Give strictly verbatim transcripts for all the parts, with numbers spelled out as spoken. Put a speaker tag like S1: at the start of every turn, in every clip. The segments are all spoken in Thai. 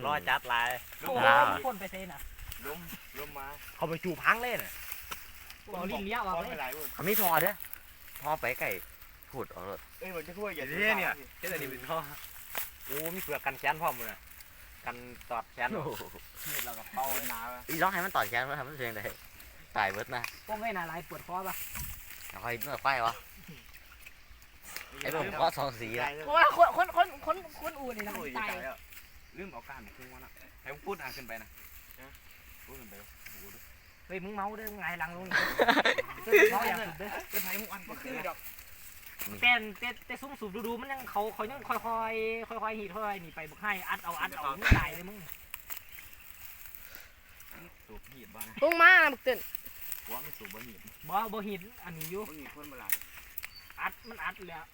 S1: รอจัดลาย
S2: โอ้พ่นไปเซนอ่ะ
S3: ลมลมมา
S1: เขาไปจูพังเลยน่ะ
S2: บอลิ้นเลี้ยวออกเลย
S4: เขาไม่ทอเด้อทอไปไก่พูดออกเลย
S3: เอ้ยมันจะช่วยอย่า
S1: เนี่ยเนี่ยเจ้านี่เป็นท่อโอ้มีเปลือกกันแขนพร้อมเลยกันตอดแขน
S3: นี่เรากับเป้าหนา
S4: อีร้องให้มันต่อแขนมันทำมันเสียงได้ตายเบิดนะ
S2: พวกไม่น่าไรปวดคอป่ะ
S4: เอาคอยเมื่อไฟวะไอ้ผมก็สองสีละ
S2: เพราะว่าคนคนคนคนคนอู่นี่นะตาย
S3: ลืมเอาการมาคุ้งวะนะให้ผมพูดอ่านขึ้นไปนะพูดขึ้นไป
S2: เฮ้ยมึงเมาเด้อมึงไงหลังลงเมาอย่างสุดเด้อ
S3: เป็นไทยมุกอันก็คือดอก
S2: แต่แต่แต่ซุ้มสูบดูๆมันยังเขาเขายังค่อยๆค่อยๆหีดค่อยๆหนีไปบุกให้อัดเอาอัดเอามึงตายเลยมึง
S3: สูบหีบบ้าน
S5: ลงมาบักเต้น
S3: ว่าไม่สูบบ้านหีบ
S2: บ่บ่หินอันนี้อยู่
S3: บ้านหีบคนมาหลาย
S2: อัดมันอัดแล้ว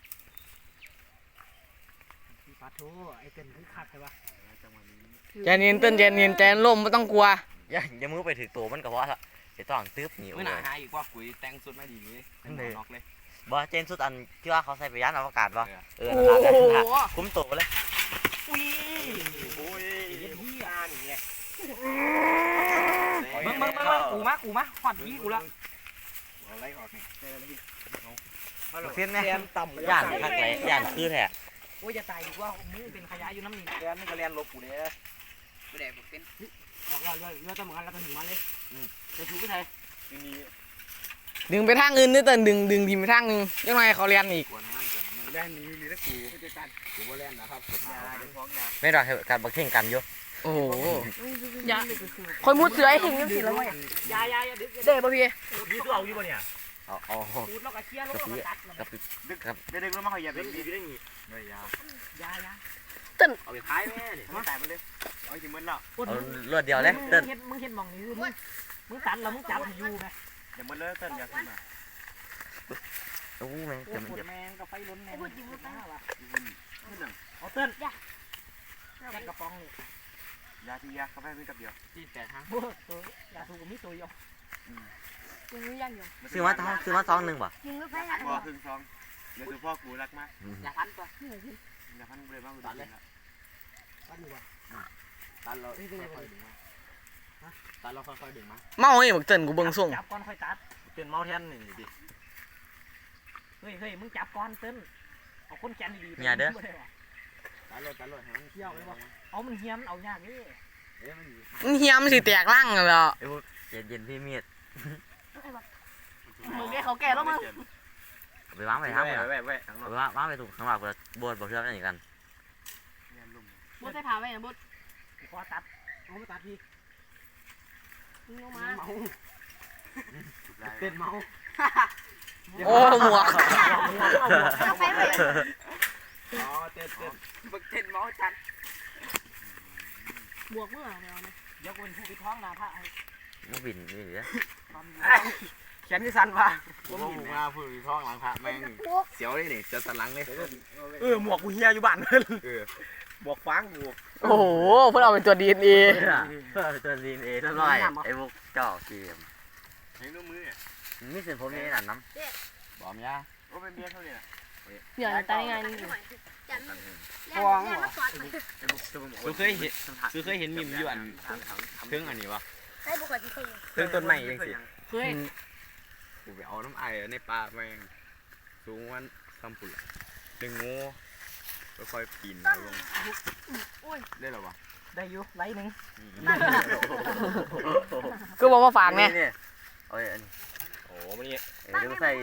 S2: ปาโถไอ้เต้นคือคักใช่ปะ
S3: จังหวะนี้
S5: ใจเย็นเต้นใจเย็นใจล่มไม่ต้องกลัว
S4: อย่าอย่ามือไปถือตัวมันก็เพราะละไอ้ต้องตึ๊บหนี
S3: เมื่อหนาหายอีกว่าคุยแต่งสุดไม่ดีเลยน็อกเลย
S4: บ่เจนสุดอันที่ว่าเขาใส่ไปยานอวกาศบ่เออ
S5: โอ้
S4: นั่น
S5: โห
S4: ละคุ้มตัวเลย
S2: อุ้ย
S3: โอ้ย
S2: เย็นที่
S3: หน้านี่ไง
S2: มึงมึงมึงกูมากูมาหอดพี่กูละ
S3: อะไรออกนี่
S4: เส้นเนี่ย
S3: แกนต่ำ
S4: ย่านทักไรย่านคือแท้
S2: โอ้ยจะตายดีว่ามึงเป็นขยะอยู่น้ำนี่
S3: แกนนี่ก็เรียนลบกูเนี่ยไม่ได้บุกเป็น
S2: ออกเราเรือเรือตะเหมือนแล้วก็ถึงมาเลยจะถูกไปไทย
S3: ทีนี้
S5: ดึงไปทางอื่นด้วยเต้นดึงดึงทีมไปทางนึงยังไงเขาเรียนอีก
S3: กวนนั่นกวนนั่นแล่นนี้ลีตะกูจะกันกูว่าแล่นนะครับผมยาเป็นฟ้องยา
S4: ไม่รอให้การบักเข่งกันอยู่
S5: โอ้โหอย่าคอยมุดเสือให้ถึงยังสิแล้วไง
S2: ยายายาดึก
S5: เด้ป่ะพี่
S1: ยืดตัวเอาอยู่ป่ะเนี่ย
S4: เอาเอา
S2: พูดแล้วก็เชี่ยแล้วก็ตัด
S4: กับ
S3: ดึกครับเด็กๆแล้วมาเขาอย่าเป็นดีได้งี้ไม่ยา
S2: ยายา
S1: เอาไปพายแม่เนี่ย
S3: ไม่ตายไปเลยเอาถึงมันแล้ว
S4: เอารวดเดียวเลยเต้น
S2: มึงเห็นมึงเห็นมองนี้มึงมึงตันแล้วมึงจับอยู่ไหม
S3: อย่ามันเลยเต้นอย่าขึ้นมา
S4: โอ้แม่ง
S2: ป
S4: จะมัน
S2: วด
S4: จะ
S2: แมงกับไฟล้นแมงเอา
S3: เต้
S2: เต้
S3: น
S2: นแค่กระป๋องนี่
S3: ยาที่ยากาแฟมีกับเดียว
S2: ที่แต่ทางโบตัวยาถูกมีตัวยอ
S5: ยังไม่ยังอยู่
S4: ซื้อมาท้องซื้อมาซองหนึ่งป่ะ
S5: ยังไม่ไป
S3: พ่อครึ่งซองเดี๋ยวพ่อกูรักมาก
S2: ยาพันตัว
S3: อย่าพันเลยบ้างกูตัดเลย
S2: ตันอยู่วะ
S1: ตันเราค่อยๆดึงมาตันเราค่อยๆดึงมา
S5: เมาไอ้บักเต้นกูเบิ่งส่ง
S2: จับก้อนค่อยตัด
S1: เป็นเมาแทนนี่ดิ
S2: เฮ้ยเฮ้ยมึงจับก้อนเต้นเอาคนแขนดี
S1: ตันเลยตันเลยให้มัน
S2: เที่ยวเลยว่าเอามันเฮี้ยมเอายากนี่
S1: เอ๊ะมันอยู่
S5: มันเฮียมนสิแตกร่างกันแล้ว
S4: ไอ้พวกเย็นเย็นพี่เมียด
S5: มึงได้เขาแก่แล้วมึง
S4: ไปวางไปทาง
S1: แว่
S4: ไป
S1: แว่แว่ข้างน
S4: ไป
S1: อก
S4: วางวางไปถูกข้างหลังเลยบวชบวชเชื่อมกันอีกกัน
S5: บดใส่ผ้าไว้นะบด
S2: พอตัดเอาไม่ตัดพี่
S5: มึงลงมา
S2: เมาเต้นเมา
S5: โอ้หมวก
S2: เอาไปเลย
S1: อ๋อเต้นเต้น
S2: บักเต้นเมาจัด
S5: บวกเมื่อเดียวนะ
S2: เดี๋ยวกูเป็นผู้พิท้องนาพระ
S4: นักบินนี่เหรอ
S2: แขนที่สั่นว่ะ
S1: ผมหมูมาพูดท้องหลังพระแม่งเสียวเลยนี่จะสันหลังเลย
S2: เออหมวกกูเฮียอยู่บ้านเลย
S1: เออบอกฟังบวก
S5: โอ้โหเพื่อเอาเป็นตัวดีเอ็นเอ
S4: เพื่อตัวดีเอเรียบร้อยไอ้พวกเจ้าเกม
S3: ให้นุ่มมือเนี่ย
S4: มีเส้นผมนี่นั่นน้
S1: บอมยา
S3: โอ้เป็นเบียร์เท่านี้นะ
S5: เดี๋ยวตายงานนี่
S2: ฟองเหรอ
S1: คือเคยเห็นคือเคยเห็นมิมอยู่อันเครื่องอันนี้วะ
S5: ให้บุคคลที่เคย
S1: เครื่องต้นไม้ยังสิ
S5: เคย
S1: กูไปเอาน้ำไอ้ในป่าแม่งสูงวันซ้ำปุ่นดึงงูค่อยปีนลงได้หรอวะ
S2: ได้อยู่ไล่หนึ่ง
S5: ก็บอกว่าฝากเนี่ย
S4: โอ้ยอัน
S1: โอ้มันนี่
S4: เดี๋ยวใส่เอง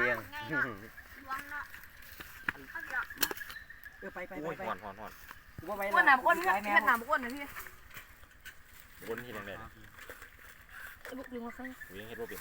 S2: เออไปไป
S1: โอ้ย
S2: ไป
S1: หอนหอนหอน
S2: กูว่าไป
S5: อ้วนหนามอ้วนเพื่อนเพื่อนหนามอ้วนนะพี่
S1: บนที่แดง
S5: บุกดึงมาข้าง
S1: ๆวิ่งเฮ็ดว่าเป็น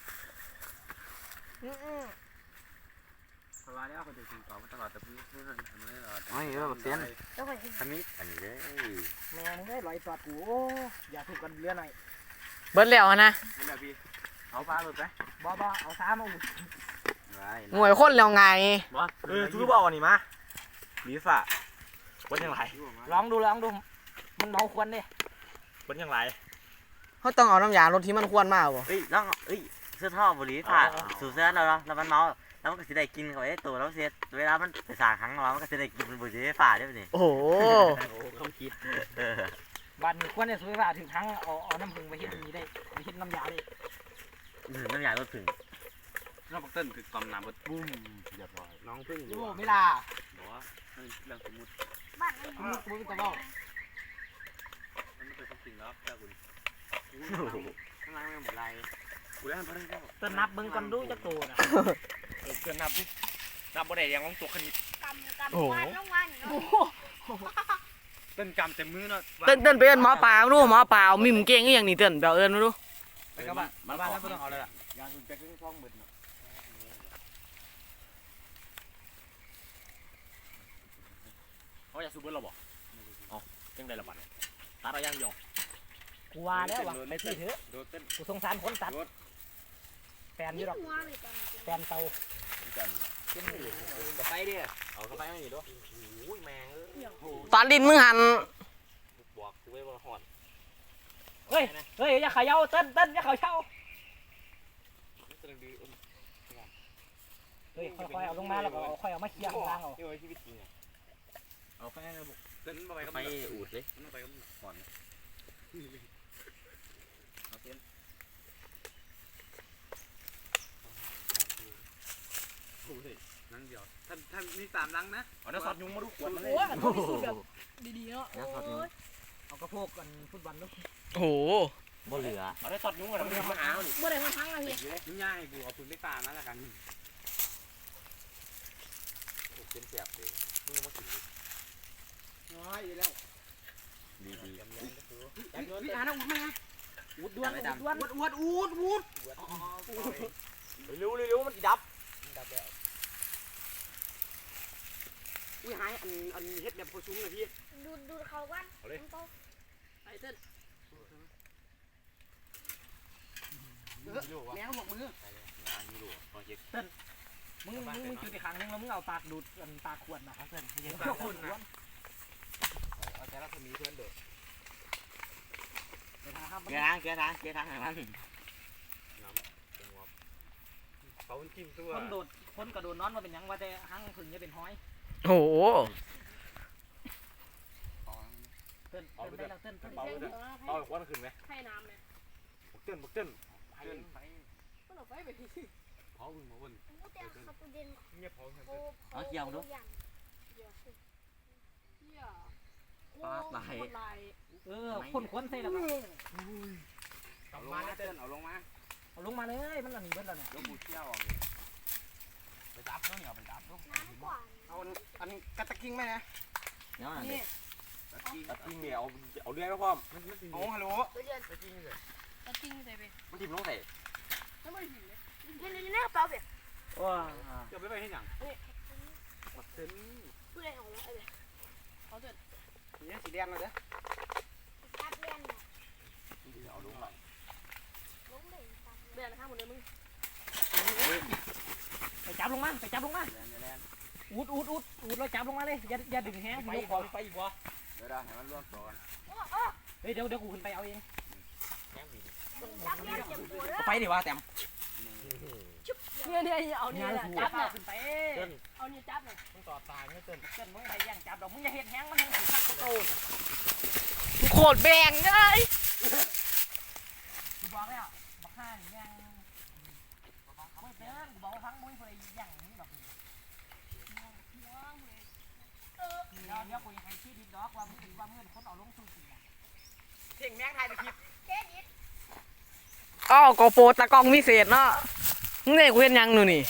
S3: สบายแล้วเขาจะถึงต่อมาตลอดแต่เพื่อนเพื่อนทำไม่ตลอด
S4: ไม่เออแบบเส้น
S5: แล้วก็
S4: ขมิ้นอันนี้เลย
S2: แม่มึงได้ลอยตอดกูอย่าถูกกันเรือหน่อย
S5: เบิร์ดแล้วนะ
S3: นี่แหละพี่เอาฟ้าหลุดไป
S2: บ่บ่เอาซ้ำเอา
S5: หน่วยคนแล้วไง
S1: เออทุกบ่าวนี่มาลีซ่าคนยังไร
S2: ลองดูลองดูมันเมาควันดิ
S1: คนยังไร
S5: เขาต้องเอาน้ำยารถที่มันควรมากบ่
S4: เอ้ยแล้วเอ้ยเสื้อท่อบุหรี่ผ่าสูเสื้อเราแล้วมันเมาแล้วมันก็จะได้กินเขาไอ้ตัวแล้วเสียเวลามันไปสางครั้งเรามันก็จะได้กินบุหรี่ฝ่าได้ไหมนี่
S5: โอ้โห
S1: โอ้เขาคิด
S4: เออ
S2: บ้านนี้ควรจะสุริว่าถึงทั้งเอาเอาน้ำผึ้งไปเฮ็ดนี้ได้ไปเฮ็ดน้ำยาได้
S4: ถึงน้ำยาลดถึง
S3: น้ำปักเต้นคือตำน้ำบดปุ้มเรียบร้อย
S1: น้องพึ่ง
S2: โอ้ไม่ล่ะ
S3: บอกว่าเรื่องสมมติ
S6: บ้านไอ้
S2: มึงมึงตะเว้า
S3: มันไม่เป็นความจริงแล้วแค่คุณ
S1: ข้างล่างไม่หมดไร
S3: กูได้ทำอะไรก็
S2: ต้นนับเบิ่งก่อนดูจักโตน่ะ
S3: เออเกินนับดินับบ่ได้ยังต้องตัวคณิต
S6: กำกำวันต้องวันเนาะ
S3: เต้นกำเต็มมือเนาะ
S5: เต้นเต้นไปเอิ้นหมอปลาดูหมอปลามิมเก่งอีหยังนี่เต้นไปเอาเอิ้นมาดู
S3: ไปกับบ้านมาบ้านแล้วไม่ต้องเอาเลยล่ะยางคุณจะขึ้นคล้องหมดเนาะเขาอยากซูเปอร์เราบอกอ๋อจังได้ละบัดตาเราย่างยอง
S2: กูว่าแล้วว่าไปที่เถอะ
S3: โดดเต้น
S2: กูสงสารคนตัดแฟนอยู่ดอก
S6: หัวเลยตอน
S2: แฟนเตา
S3: กันจะไปดิเอาเข้าไปไม่หนีด้วยโอ้ยแมงเอ้ย
S5: ตอนดินมึงหัน
S3: บอกกูไว้ว่าหอน
S2: เฮ้ยเฮ้ยอย่าเขย่าเต้นเต้นอย่าเขย่าเฮ้ยค่อยๆเอาลงมาแล้วก็เอาค่อยเอามาเคลียร์ข้างล่างเอา
S3: นี่ไว้ชีวิตจริงอ่ะเอาไปนะบุกเต้นไปกับ
S4: ไปอูดเลย
S3: มันไปกับหอนเอาเต้นโอ้ยนั่งเดียวท่านท่านมีสามลังนะเอาน้ำซอสยุงมาดูขวดมันเลย
S2: โอ้ยมันต้องมีสูตรแบบดีๆเนาะ
S4: น้ำซอสยุง
S2: เอากระโพกกันฟุตบอลลูก
S5: โอ้โห
S4: บ่เหลือ
S3: เอาได้ซอสยุงมาทำไมมาหาหนิ
S6: เมื่อไรมันพังอะพี่
S3: ยุ่งยากให้กูเอาปืนไปตามาแล้วกันโอ้เป็นเสียบเลยมึงมาถึงน้อยอยู่แล้ว
S4: ดีดี
S3: พี่อานะอุดมา
S2: อุดด้วนอุดด้วน
S3: อุดอุดอุดอุดเร็วเร็วมันดับอุ้ยหายอันอันเฮ็ดแบบโคซุ้งเลยพี่
S6: ดูดูเขากัน
S3: ไอ้เต้นแมวหมกมือ
S2: มึงมึงมึงจุดอีกครั้งนึงแล้วมึงเอาปากดูดกันปากขวดนะครับเพื่อนไม่ใช่ปากขวดนะ
S3: เอาแต่ละคนมีเพื่อนเด้อ
S2: เดี๋ยวทาง
S4: เกียร์ทางเกียร์ทางเกียร์ทางให้มัน
S3: เขาจิ้มตัว
S2: คนโดดคนกระโดดนอนมาเป็นยังว่าแต่ห้างผึ่งจะเป็นห้อย
S5: โอ้โห
S2: เต้นเต้นได้แล้วเต้นเต้น
S3: เบาเลยเอาควันขึ้นไหม
S6: ให้น้ำเลย
S3: เต้นเต้นเต้น
S6: ก็หลบไปไปพี่
S3: เผาขึ้นมาบน
S6: กูแต่ขับตัวเด่น
S3: เงียบเผาขึ้น
S6: โอ้เกี่ยวดูเกี่ยวสิเกี่ยวลาย
S2: เออคนควนใส่แล้วก็
S3: เอาลงมาเต้นเอาลงมา
S2: เอาลงมาเลยมันอันนี้เบิ้ลแล้วเนี่ย
S3: ยกบูเชี่ยวไปจับเนาะเนี่ยไปจับเนาะ
S6: น้ำกว่า
S3: เอาอันกระตะกิ้งไหมนะ
S4: เนาะนั่น
S6: นี่
S4: เด็ก
S3: กระกิ้งเนี่ยเอาเอาเรื่อยมาพร้อมเอาฮัลโหล
S6: ตัวเด่น
S3: กระกิ้งเลย
S6: กระติ้งใส่ไป
S3: มันทิมลงใส่
S6: แล้วมันหินเลยนี่นี่นี่กระเป๋าเปียก
S2: ว้า
S3: จะไปไปที่หยังปัดเต้น
S6: ผู้ใดของเราไอ้เปียเขาเดิน
S3: นี่สีแดงเลยเด้อ
S6: จับเล่น
S3: เอาลงไป
S6: ล้มเลยเดินข้างบนเลยมึง
S2: ไปจับลงมาไปจับลงมาอุดอุดอุดอุดเราจับลงมาเลยอย่าอย่าดึงแห้ง
S3: ไป
S2: ยก
S3: อีก
S2: คอ
S3: ไปอีกวะเดี๋ยวได้ให้มันร่วงตัวกัน
S6: โอ้โอ้
S2: เฮ้ยเดี๋ยวเดี๋ยวกูขึ้นไปเอาเอง
S6: จับเล่นเจ็บปวดเลย
S3: ไปดิวะแต้ม
S6: เนี่ยเนี่ยเอาเนี่ยจับเนี่ย
S2: ขึ้นไป
S6: เอาเนี่ยจับเนี่ย
S2: มึงต่อตายไม่เต้นเต้นมึงใครย่างจับดอกมึงอย่าเห็ดแห้งมันแห้งถึงขัดโตน
S5: โคตรแบงเลย
S2: กูบอกแล้วบักห้านี่แม่งไม่เต้นกูบอกทั้งมึงคนใดย่างนี่ดอกเดี๋ยวเดี๋ยวกูยังให้ชี้ดิบดอกว่ามึงว่ามึงคนเอาลงสู่สี
S3: เท่งแมงไทยตะคิด
S6: เจ๊ดิ
S5: อ้าวโกโปรตะกล้องวิเศษเนาะมึงเนี่ยกูเห็นยังหนูนี่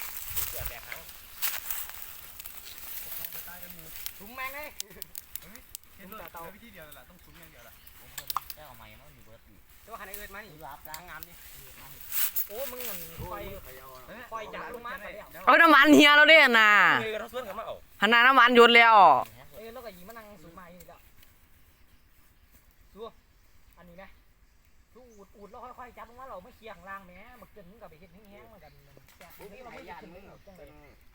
S3: ถุงแมงเลยเห็นรถเตาวิธีเดียวแหละต้องถุงอย่างเดียวแหละ
S4: แค่เอาไม้มันมีเบิร์ดอีก
S3: ตัวคันอื่นมานี่รับล้างงามนี่
S2: โอ้มึงมันคอยคอยจับลงมาไปแล้ว
S5: เอาน้ำมันเฮียเราเด้น่ะ
S3: เฮ้ยเราส่วนกันมาเอา
S5: หันหน้าน้ำมันหยุดแล้ว
S2: เอ้ยแล้วก็ยิงมานั่งสูงมาอยู่แล้วสู้อันนี้นะสู้อูดอูดแล้วค่อยๆจับลงมาเราไม่เคียงล่างแหมบักเกินมึงกับไปเห็ดแห้งๆเหมือนกันแต่นี่เราไม่ได้ขึ้นมึงจังเลย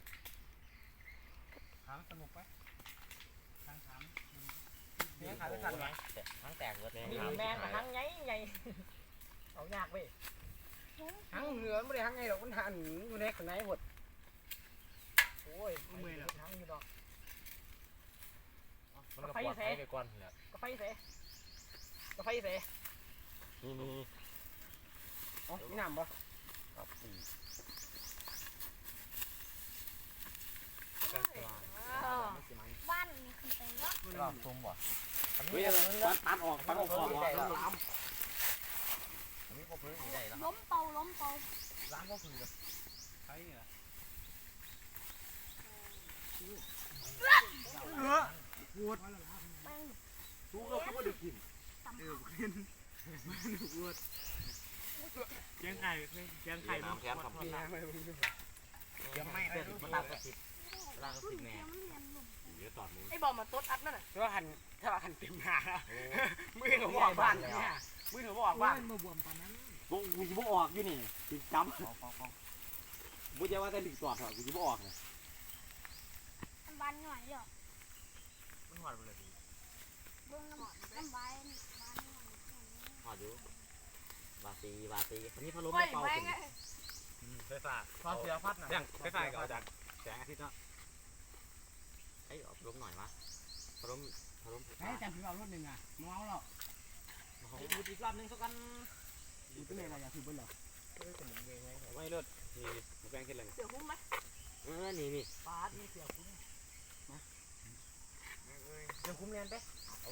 S3: ถามสนุกไหมทางถาม
S4: นี่ขายไปทันไหมทั้งแตกเบิร์ดเลย
S2: มีแมงกับทั้งไงไงเอายากเว้ย
S3: ทั้งเหนือไม่ได้ทั้งไงหรอกมันหันอยู่ในข้างในหมด
S2: โอ้ยมือทั้งอยู่ดอก
S3: มันก็ปลอดภัยไปก่อนแหละ
S2: ก็ไฟเสกาแฟเส
S3: นี่นี่
S2: อ๋อมีน้ำปะ
S3: ครับสี่
S6: บ้านนี่คือไปวะ
S3: รอบทุ่มบ่เฮ้ยปัดปัดออกปัดออกขอบออกแล้วล้ำอันนี้พอพื้นใหญ่แล้ว
S6: ล้มเป่าล้มเป่า
S3: ล้างก็คือใช่เนี่ย
S6: แม่ง
S3: ทุกก็ทุกก็ได้กิน
S2: เชียงไข่เชียงไข่
S3: น้ำแคมทำกิน
S2: ยังไม่
S3: เด็ดมาตามกระติบล่างกระติบแม่เดี๋ยวตอดมือ
S2: ไอ้บอมมาต๊ดอัดนั่นน่ะถ้าหันถ้าหันเต็มหน้ามือเขาบอกบ้านเนี่ยมือเขาบอกบ้านมาบวมปานนั้น
S3: กูกูจะบ่ออกอยู่นี่ติดจำกูจะว่าแต่ดึกตอดเหรอกูจะบ่ออกเลย
S6: บ้านหน่อยเดียว
S3: มันหอดไปเลย
S6: เบื้องน้ำน้ำใบบ้านหน่อย
S3: หอดอยู่บาตีบาตีอันนี้พัดลม
S2: ไม่
S3: เป่า
S2: แม่
S3: ขึ้
S2: ง
S3: นไฟฟ้า
S2: พอเสียพัดน่ะ
S3: ยังไฟฟ้าก็เอาจากแสงอาทิตย์เนาะไอ้อบรมหน่อยมะพัดลมพัดลม
S2: ให้จำถึงเอารถหนึ่งอ่ะเมาแล้วไอ้ดูอีกรอบนึงสักกันดูเป็นอะไรอย่าถือเบิ้ลหรอ
S3: ไม่เลิศนี่มาแปลงขึ้นเลย
S6: เสือหุ้มไหม
S3: เออนี่นี่
S2: ปาดนี่เสียคุ้มนะเดี๋ยวคุ้มเรียนไป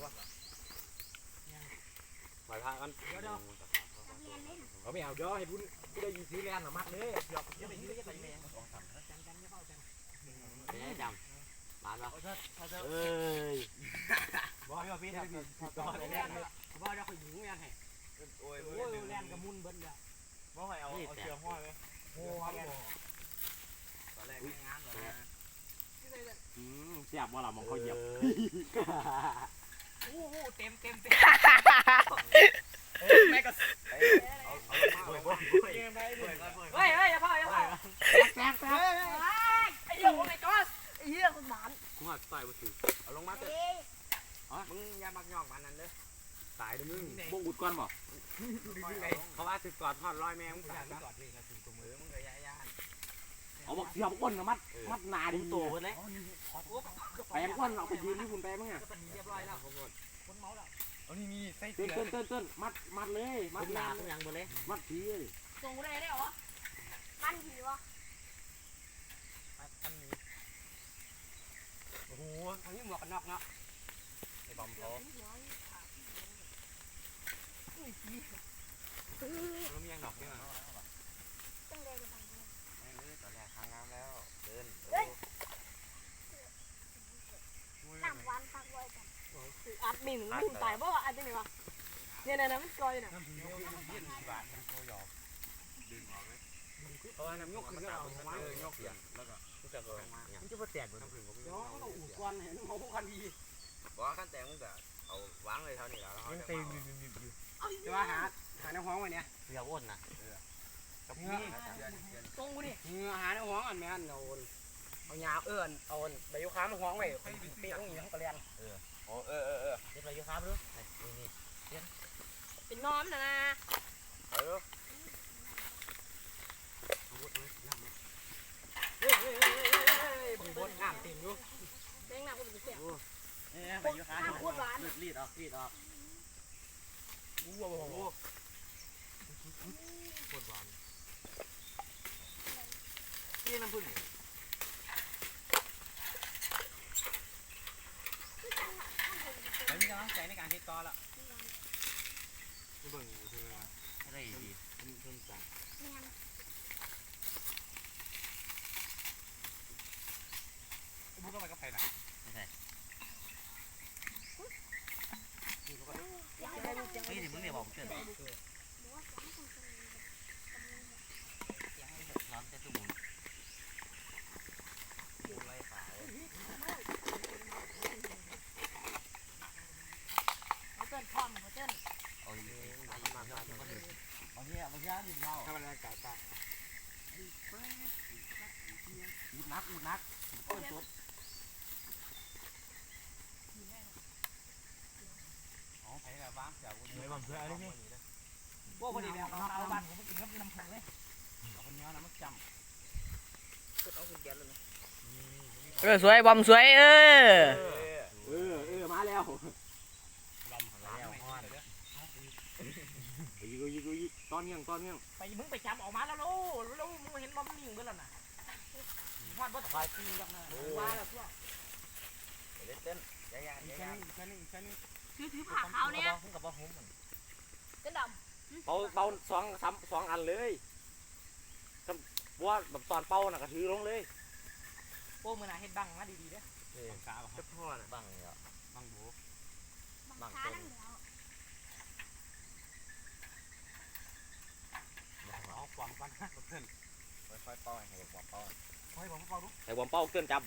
S3: ปล่อยพากัน
S6: เรียนเล่น
S3: เขาไม่เอาเดี๋ยวให้บุญกูได้ยินซื้อแลนหรอมัดเลยหยอก
S2: ยังไม่ยืดยังไงแม่
S6: จังกันไม่เข้าจัง
S3: ไม่ได้จำร้านปะเอ้ย
S2: บอกให้พี่ทำต่อเลยแล่นเลยบอกจะคอยหญิงแล่นให้โอ้ยแล่นกับมุนเบิ้ลเลยบอกให้เอาเอาเชือกห้อยไหมโอ้ยตอนแรกไม่งานหรอกนะ
S3: อืมเสียบว่าเรามองเขาเหยียบ
S2: โอ้โหเต็มเต็มเต็มแม่ก็เฮ้ยเฮ้ยอย่าพ่ออย่าพ่อแป๊บแป๊บไอ้เหี้ยโอ้ my god
S6: ไอ้เหี้ยคนหมาน
S3: กูหักต่อยมาถือ
S1: เอาลงมาเถอะ
S6: เอ้ย
S1: มึงอย่ามักยอกมันนั่นเด้อ
S3: ตายเด้อมึงบ่อุดก่อนบ่
S1: เขาว่าถึกกอดทอดร้อยแมงมึง
S2: อ
S1: ตาย
S2: าก
S1: ซะ
S2: กอดเลยนะถึงตัวมื
S1: เอ
S2: อ
S1: อมึงก็ย่าย่าน
S3: เอาบอกเสียบก้นกับมัดมัดนาดิโตเพิ่นเลยไปยังก้นเอาไปยืนที่คุณไปมั้งอ่ะ
S2: ก็ตอนนี้เรียบร้อยแล้วคนเมาแล้ว
S1: เอานี่มีไส้
S3: เต้
S1: เสื
S3: น
S1: อ
S3: เต้นเต้นเต้นมัดมัดเลยมัดนายังบ่เลยมัดผีเลย
S6: ส่งกูได้ได้เหรอบ้านผีวะ
S2: โอ้โหทางนี้หมวกกันน็อกเนาะ
S3: ไอ้บอมเขา
S1: แล้วมียังดอกด้วย
S6: ตั้งใจจะทำ
S1: ตอนแรกทางน้ำแล้วเดิน
S6: น้ำวันพักไว้กันอัดมินมินตายเพราะว่าอัดจังไงวะเนี่ยเนี่ยมันกลอยน่ะ
S1: เพราะว่าน้ำยกขึ้นก็เอาเออยกเสียงแล้วก็
S3: ผู้จัดการ
S1: มันจะมาแตกบนน้ำผึ้งผม
S2: เดี๋ยวเราอุดก่อนเห็นเขาพวกคันดี
S1: บอกว่าขั้นแตกมึงก็เอาวางเลยเท่านี้แล้วเขาจะเมา
S2: จะว่าหาหาในห้องไว้เนี่ย
S3: เสียอ้นนะ
S1: กับนี่
S2: ตรงกูนี่เงือหาในห้องอันแม่นเอาเอายาเอื้อนเอาใบยูคามาห้องไว้เปี้ยงอย่างนี้เขาก็เรียน
S1: โอ้เออเออเออ
S3: เรียบร้อยครับดูนี่
S6: เป็นน้อมนะนะ
S1: เออ
S2: เฮ้ยเฮ้ยเฮ้ยเฮ้ยบังบดน้ำเต็มอยู่
S6: แดงหน้ากูเป็นเสีย
S3: นี่ไปยูคารีดออกรีดออก
S2: อู้ว้าว
S3: ปวดหวาน
S2: นี่น้ำผึ้ง
S1: แล้วมีกำลังใจในการที่ต่อละ
S3: เบิ่งใช่ไหมอะไรดีเพิ่มสั่ง
S6: แม่น
S1: มึงก็ไปกับใครน่ะ
S6: ยังไม่รู้ยัง
S3: เฮ้ยมึงเนี่ยบอกเกินร้อนแต่ตุ้มไรขาว
S6: เอาเต้นพร้อมเอาเต้น
S3: เอาดีมามามาเอาเนี่ยเอาย่าดิเรา
S2: ทำอะไรกันตา
S3: อุดนักอุดนักต้นตุ๊บอ๋อไปแบบบ้างเดี๋ยวกูไม่บังเพื่ออะไรนี่
S2: พวกคนนี้เนี่ยเอาเอาบ้านผมกินกับน้ำผึ้งเลย
S3: เอาคนนี้นะมันจำ
S2: เอาขึ้นแกนเลยนะ
S5: เออสวยบอมสวยเออ
S3: เออเออมาแล้ว
S1: ลมแล้วห้อน
S2: เ
S3: ยิงยิงยิงตอนเงี้ยงตอนเงี้ยง
S2: ไปมึงไปจับออกมาแล้วลูกแล้วมึงเห็นบอมนิ่งเบื่อแล้วน่ะวาดบอสควายตีกันนะว่าแล้วตัว
S1: เล่นเต้นยายา
S3: อีก
S1: ยา
S3: แค่
S1: ยา
S3: นึงอีกแค่นึงอีกแค่นึง
S6: ถือถือผ้าขาวเนี่ย
S1: กับว่าหุ้ม
S6: เส้นด
S3: เป่าเป่าสองสามสองอันเลยว่าแบบตอนเป่าน่ะก็ถือลงเลย
S2: โป้มือหนาเห็ดบังมาดีๆเด้อ
S3: กา
S1: จะพ่อน่ะบังเหรอ
S3: บังโบ
S6: ำบางช้านั่งเหนียว
S3: เอาความกันเพื่อน
S1: ค่อยๆป้อนให้บอกป้อน
S3: ให้ผมเป่าดูไอ้ผมเป่าเตือนจับบ่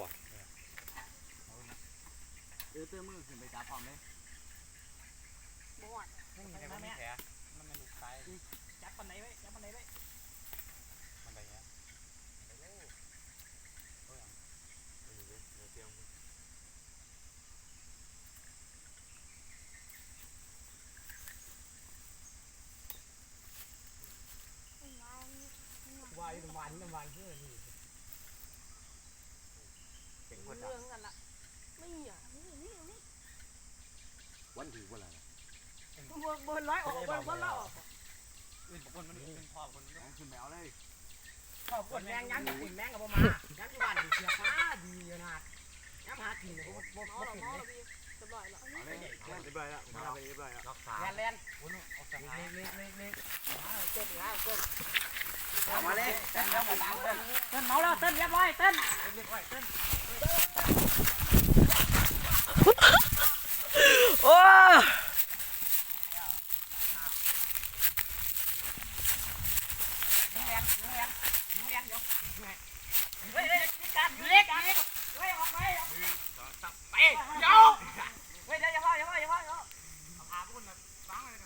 S1: เออเตื้อมือขึ้นไปจับพร้อมเลย
S6: บวช
S3: ไม่มีใครมีแผลมันไม่ลูกซ้าย
S2: จับปันไหนไว้จับปันไหนไว้
S3: มันไปเงี้ย
S2: วายน้ำมันน้ำมันเพื่อนี่
S1: เก่ง
S6: เรื่
S1: พ่อ
S6: อง
S1: จับ
S6: กันละไม่มีอ่ะนี่นี่นี่
S3: วันถือว่าอะไร
S6: บนบนร้อยออกบนบนร้อยออก
S3: อื่นบางคนมันเป็นพ่อคนนี้
S1: ขึ้นไปเอาเลย
S2: ขอบคุณแมงยันกินแมงกับมายันที่บ้านเสียฟ้าดีอยู่นะยันหากินเลยบ่บ่
S6: น้อง
S2: บ่
S6: เรา
S2: กิน
S6: น้อง
S2: เล
S6: เรา
S2: ย
S6: พี่สบายแล้ว
S1: เอาเลยเรียบร้อยแล้วมาไปเรียบร้อยแล้ว
S3: นอกสา
S2: แลนแลน
S3: โอ้โหออกจาก
S2: เล็กเล็กเล็กเล็กเต้นแล้วเต้น
S1: เอามาเลยเต้นแล้วมาดังเต้น
S2: เต้นเมาแล้วเต้นเรียบร้อยเต้นเรียบร้อยเต้น
S5: โอ้
S2: ยิงแลนยิงแลนยิงแลนเดี๋ยวเฮ้ยเฮ้ยการเล็กเล็กเฮ้ยออกไปไปเดี๋ยวเฮ้ยเดี๋ยวอย่าพ่ออย่าพ่ออย่าพ่ออย่าพ่อ
S3: พาพุ่นนะฟังเลย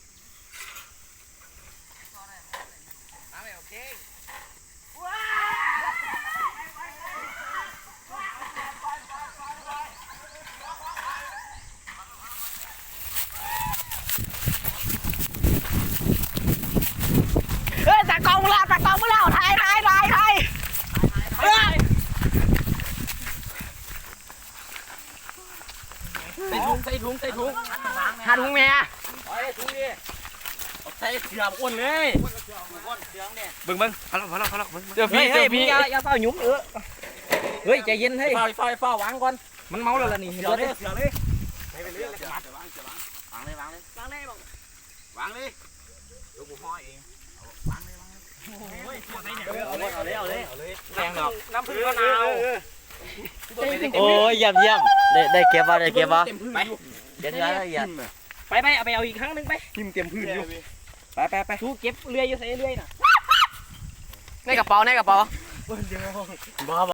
S1: เอาเลยโอเค
S2: ว้า
S5: เฮ้ยตากล้องมึงแล้วตากล้องมึงแล้วถ่ายถ่ายถ่ายถ่ายเฮ้ยใส่ถุงใส่ถุงใส่ถุงหาถุงแม่
S3: ไอ้ทุกทีใส่เสืออ้วนเลยอ้วนเสือเนี่ย
S5: เบิ่งเบิ่งเอาละเอาละเอาละเดี๋ยวพี่เดี๋ยวพี่
S2: อย่าอย่าเฝ้าหยุ่มเออเฮ้ยใจเย็นเฮ้ย
S3: ฝ้าฝ้าฝ้าวางก่อน
S2: มันเมาแล้วล่ะนี่
S3: เสือเลยเสือเลยไปไปเรื่อยเลยมัด
S1: วางเลยวางเลยว
S6: างเลยบอก
S1: วางเลยเดี๋ยวกูห่อเองวางเลยวางเลย
S2: โอ้ยใส่เนี่ย
S3: เอาเลยเอาเลยเอาเลยเอาเลย
S2: แรงดอกน้ำผึ้งมะนาว
S4: โอ้ยเยี่ยมเยี่ยมได้ได้เก็บบ่ได้เก็บบ่
S2: เต็มพื้นอยู่
S4: เดี๋ยวเดี๋ยวละเอียด
S2: ไปไปเอาไปเอาอีกครั้งหนึงไป
S3: ทิมเต็มพื้นอยู่
S2: ไปไปไปทูเก็บเรื่อยอยู่ใส่เรื่อยน่ะ
S5: ในกระเป๋าในกระเป๋า
S3: บ้า